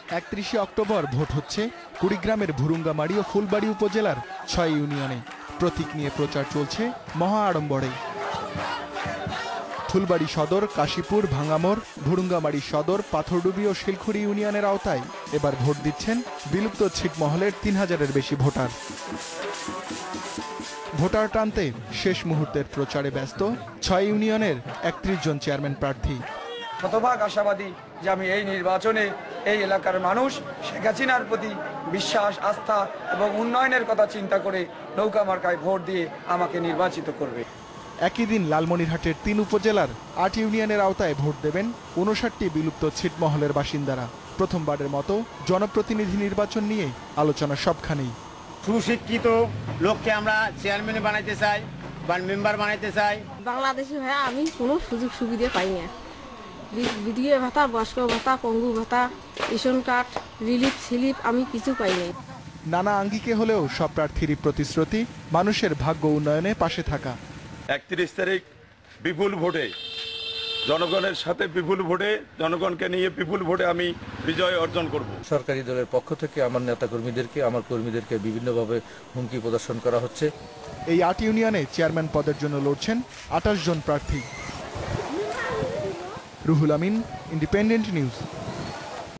31 October vote হচ্ছে কুড়িগ্রামের ভুরুঙ্গামারী ও ফুলবাড়ী উপজেলার 6 ইউনিয়নে। প্রতীক নিয়ে প্রচার চলছে মহা আড়ম্বরে। ফুলবাড়ী সদর, কাশীপুর, ভাঙ্গামোড়, ভুরুঙ্গামারী সদর, পাথরডুবি ও শিলখুড়ি ইউনিয়নের আওতায় এবার ভোট দিচ্ছেন বিলুপ্ত ছিটমহলের 3000-এর বেশি ভোটার। ভোটার টানতে শেষ মুহূর্তের প্রচারে ব্যস্ত 6 ইউনিয়নের 31 জন চেয়ারম্যান প্রার্থী। শতভাগ আশাবাদী যে আমি এই নির্বাচনে এই এলাকার মানুষ শেখ হাসিনার প্রতি বিশ্বাস, আস্থা এবং উন্নয়নের কথা চিন্তা করে নৌকা মার্কায় ভোট দিয়ে আমাকে নির্বাচিত করবে। একই দিন লালমনিরহাটের 3 উপজেলার 8 ইউনিয়নের আওতায় ভোট দেবেন 59টি বিলুপ্ত ছিটমহলের বাসিন্দারা। প্রথমবারের মতো জনপ্রতিনিধি নির্বাচন নিয়ে আলোচনা সবখানেই। সুশিক্ষিত লোককে আমরা চেয়ারম্যান বানাইতে চাই বা মেম্বার বানাইতে চাই। বাংলাদেশে ভাইয়া আমি কোনো সুযোগ সুবিধা পাই না। বিধবা ভাতা, বয়স্ক ভাতা, পঙ্গু ভাতা, রেশন কার্ড, রিলিফ স্লিপ আমি কিছু পাই নাই। নানা আঙ্গিকে হলেও সব প্রার্থীরই প্রতিশ্রুতি মানুষের ভাগ্য উন্নয়নে পাশে থাকা। 31 তারিখ বিপুল ভোটে, জনগণের সাথে বিপুল ভোটে, জনগণকে নিয়ে বিপুল ভোটে আমি বিজয় অর্জন করব। সরকারি দলের পক্ষ থেকে আমার নেতাকর্মীদেরকে, আমার কর্মীদেরকে বিভিন্নভাবে হুমকি প্রদর্শন করা হচ্ছে। এই 8 ইউনিয়নে চেয়ারম্যান পদের জন্য লড়ছেন 28 জন প্রার্থী। Ruhul Amin, independent news.